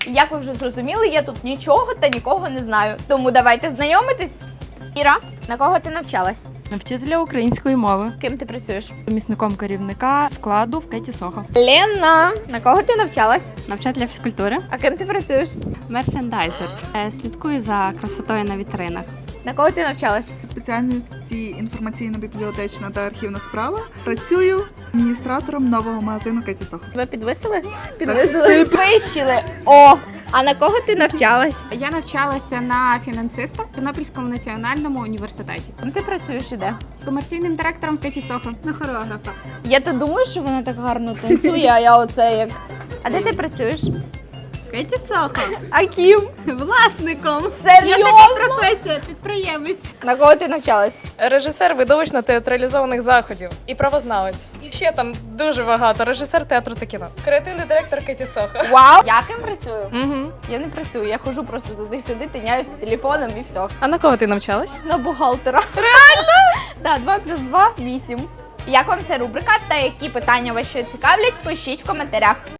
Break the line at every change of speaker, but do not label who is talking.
Як ви вже зрозуміли, я тут нічого та нікого не знаю. Тому давайте знайомитись. Іра, на кого ти навчалась?
Вчителя української мови.
Ким ти працюєш?
Помічником керівника складу в Кеті Сохо.
Лена, на кого ти навчалась?
Навчателя фізкультури.
А ким ти працюєш?
Мерчендайзер. Слідкую за красотою на вітринах.
На кого ти навчалась?
Спеціальності інформаційно-бібліотечна та архівна справа. Працюю адміністратором нового магазину Кеті Сохо.
Тебе підвисили? Підвисили. Підвищили. О! А на кого ти навчалась?
Я навчалася на фінансиста в Тернопільському національному університеті.
Ким ти працюєш і де?
Комерційним директором Кеті Сохо. На хореографа.
Я то думаю, що вона так гарно танцює, а я оце як. А де ти працюєш?
Кеті Сохо.
А ким?
Власником.
Серйозно?
Професія, підприємець.
На кого ти навчалась?
Режисер видовищно-театралізованих заходів і правознавець. І ще там дуже багато. Режисер театру та кіно. Креативний директор Кеті Сохо.
Вау! Я ким працюю?
Угу.
Я не працюю, я ходжу просто туди-сюди, тиняюсь телефоном і все.
А на кого ти навчалась?
На бухгалтера. Реально? Так, 2 + 2 – 8. Як вам ця рубрика та які питання вас ще цікавлять, пишіть в коментарях.